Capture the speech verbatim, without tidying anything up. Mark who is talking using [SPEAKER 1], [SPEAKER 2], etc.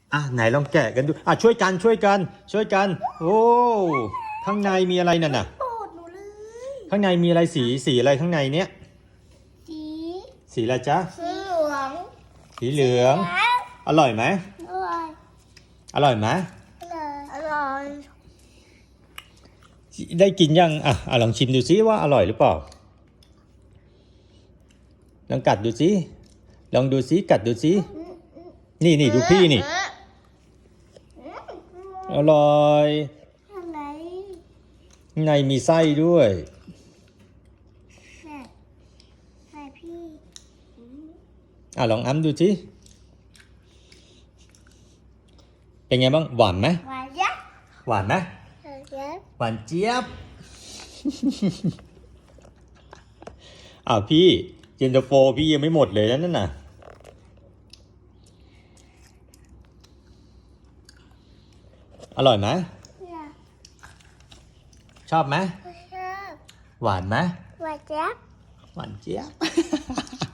[SPEAKER 1] อ่ะไหนลองแกะกันดูอ่ะช่วยกันช่วยกันช่วยกันโอ้ข้างในมีอะไรนั่นน่ะ
[SPEAKER 2] โปรดหนูเลย
[SPEAKER 1] ข้างในมีอะไรสีสีอะไรข้างในเนี้ย
[SPEAKER 2] สี
[SPEAKER 1] สีอะไรจ๊ะ
[SPEAKER 2] สีเหลือง
[SPEAKER 1] สีเหลืองอร่อยไหม
[SPEAKER 2] อร่อย
[SPEAKER 1] อร่อยไหม
[SPEAKER 2] อร่อยอร่อย
[SPEAKER 1] ได้กินยังอ่ะอ่ะลองชิมดูซิว่าอร่อยหรือเปล่าลองกัดดูซิลองดูซิกัดดูซินี่นี่ดูพี่นี่อร่อย
[SPEAKER 2] อะไร
[SPEAKER 1] ข้างในมีไส้ด้วย
[SPEAKER 2] แม่แม่พี่
[SPEAKER 1] อ่ะลองอ้ำดูซิเป็นไงบ้างหวานไหม
[SPEAKER 2] หวานยักษ์
[SPEAKER 1] หวานไหม
[SPEAKER 2] หวานยักษ์
[SPEAKER 1] หวานเจี๊ยบ อ้าวพี่เย็นตาโฟพี่ยังไม่หมดเลยนะนั่นน่ะอร่อยไหมชอบไหม
[SPEAKER 2] ชอบ
[SPEAKER 1] หวานไหม
[SPEAKER 2] หวานยักษ์
[SPEAKER 1] หวานเจี๊ยบ